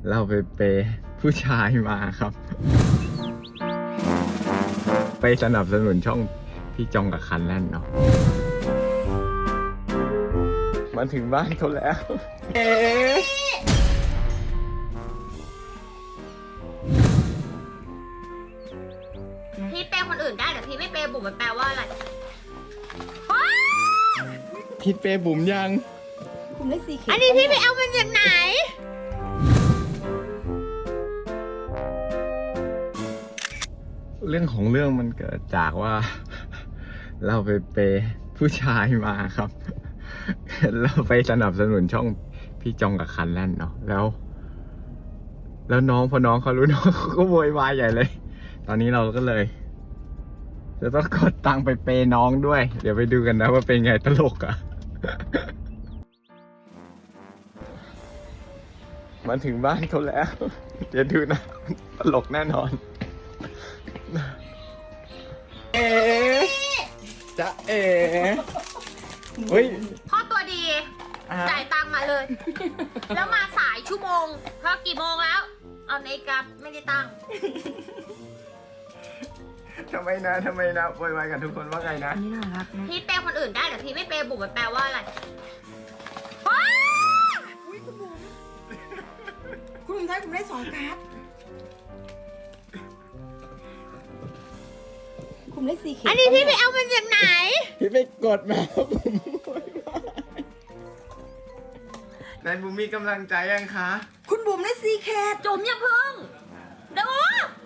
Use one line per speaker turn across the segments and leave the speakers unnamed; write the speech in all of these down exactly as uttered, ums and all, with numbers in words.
เราไปเปย์ผู้ชายมาครับ ไปสนับสนุนช่องพี่จองกับคันแล่นเนาะมาถึงบ้านเขาแล้วเอ๊ะ
พี่เปย์คนอื่นได้แต่พี่ไม่เปย์บุ๋มมันแปลว่าอะไร
คิดเปย์บุ๋มยัง
ผมได้สีเขียว
อันนี้พี่ไปเอามันจากไหน
เรื่องของเรื่องมันเกิดจากว่า เราไปเปย์ผู้ชายมาครับ เราไปสนับสนุนช่องพี่จองกับคันแล่นเนาะแล้ว แล้วน้องพอน้องเขารู้น้องเขาก็โวยวายใหญ่เลย ตอนนี้เราก็เลย จะต้องกดตังค์ไปเปย์น้องด้วย เดี๋ยวไปดูกันนะว่าเป็นไงตลกอะ มาถึงบ้านเขาแล้ว เดี๋ยวดูนะตลกแน่นอนเอ๋จะเอ๋เฮ้ย
พ่อตัวดี
อ่ะ
จ่ายตังค์มาเลย แล้วมาสายชั่วโมงเพราะกี่โมงแล้ว เอาในกราฟไม่ได้ตังค์
ทำไมนะทำไมนะโวยวายกับทุกคนว่าไงนะ
อันนี้น่ารักนะ
พี่เปย์คนอื่นได้แต่พี่ไม่เปย์บุ๋มมันแปลว่าอะไร
อุ้ยคุณบุ๋มคุณบุ๋มไทยผมได้สองการ์ดผมได้สีเขียว
อันนี้พี่ไปเอามันจากไหน
พี่ไปกดมาผมโวยวายนายบุ๋มมีกำลังใจยังคะ
คุณบุ๋มได้สีแคท
จุ๋มอย่าพึ่งเดี๋ยว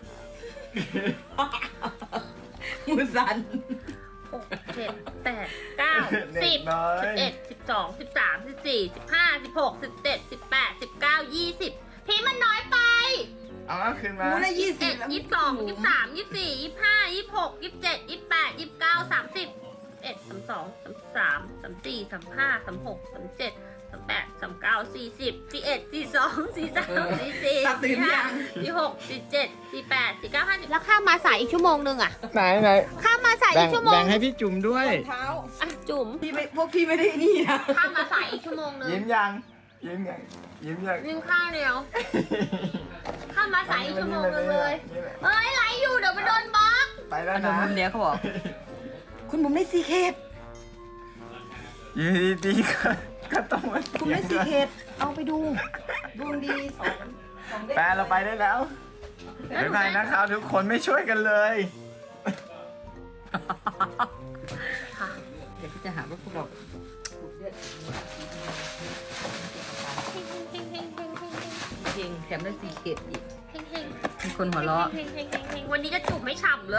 มือสั่น
หกเจ็ดแปดเก้าสิบสิบเอ็ดสิบสองสิบสามสิบสี่สิบห้าสิบหกสิบเจ็ดสิบแปดสิบเก้ายี่สิบพี่มันน้อยไป
เอาเอาคืนมา
มูได้ยี่สิ
เอ็
บ
ด
แล้ว
ยี่สิบสองยี่สิบสามยี่สิบสี่ยี่สิบห้ายี่สิบหกยี่สิบเจ็ดยี่สิบแปดยี่สิบเก้าสามสิบเอ็ดสามสองสามสามสามสี่สามห้าสามหกสามเจ็ดสามแปดสามเก้าสี่สิบสี่เอ็ดสี่สองสี่สามสี่สี่
ตัดตื่น
สี่
ยั
ห้าง สี่หกสี่เจ็ดสี่แปดสี่เก้าห้าสิบแล้วข้ามมาสายอีกชั่วโมงนึงอ่ะ
ไหนไหน
ข้ามมาสาย
แบ่
อี
ง
กชั่วโม
แบ่
ง
งให้พี่จุ๋มด้วย
เท้า
อ่ะจุ๋ม
พี่ไม่พวกพี่ไม่ได้นี่นะ
ข้ามมาสายอีกชั่วโมงนึง
ยิ้มยังยิ้มยังยิ้มยัง
ยิงข้าวเดียวข้ามมาสายอีกชั่วโมงนึงเลยเอ้ยไหลอยู่เดี๋ยวมันโดนบล็อก
ไปแล้ว
อัน
นะ
มุมเนี้ยเขาบอก คุณบุ๋มได้สีเคท
อยู่ดีๆก็ก็ต้องมา
คุณได้สีเคทเอาไปดูดวงดีสองสองเลข
แปลเราไปได้แล้วบ๊ายบายนะครับทุกคนไม่ช่วยกันเลย
ค่ะ
เดี๋ยวพี่จะหาว่าพวกเรา
เฮงเฮงเฮงเฮงเฮงเฮง
เพลงแถมได้สีเคทอีก
เฮงเฮง
มีคนหัวเราะ
เฮงเฮงเฮงเฮงวันนี้จะจุ่มไม่ฉ่ำเลย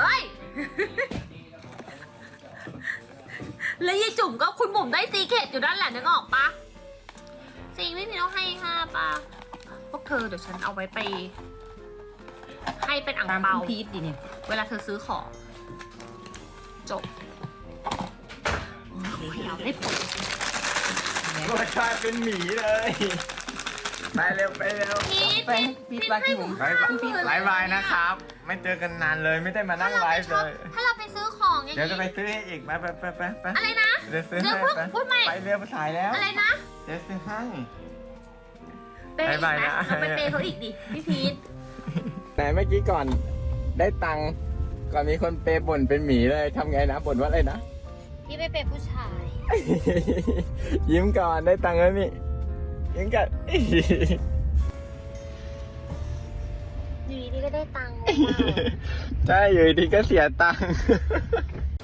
แล้วยายจุ่มก็คุณบุ๋มได้ซีเกตอยู่ด้านหลังนึกออกปะซีไม่มีต้องให้ห้าปะพวกเธอเดี๋ยวฉันเอาไว้ไป ให้เป็นอ่าง
ตาม
เปา
คุณพีทดิเนี่ย
เวลาเธอซื้อของจบโอ้ยเอาได้ผล
รสชาติเป็นหมีเลย ไปเร็วไปเร็ว
พีท
ไปพีทไปที่ผม
บายบายบายบายนะครับ ไม่เจอกันนานเลยไม่ได้มานั่งไลฟ์เลย
ถ้าเราไปซื้อของอย่าง
เดี๋ยวจะไป
นี้
ซื้อให้อีกไปไปไปไปไป
อะไรนะ
เดี๋ยวซื้อ
เดี๋
ให้
ยวพูด
ไป
พูดใหม่
ไปเร็วสายแล้ว
อะไรนะ
เดี๋ยวซื้อให้
เปย์อีก
บ๊าย
ไหม
บายนะ
เราไปเปย์เขาอีกดิพี่พีท
แต่เมื่อกี้ก่อนได้ตังค์ก่อนมีคนเปย์บ่นเป็นหมีเลยทำไงนะบ่นว่าอะไรนะ
พี่ไปเปย์ผู้ชาย
ยิ้มก่อนได้ตังค์แล้วนี่ยิ้มก่อน
อยู่ดีๆก็ได้ตังค์
ใช่อยู่ดีก็เสียตังค์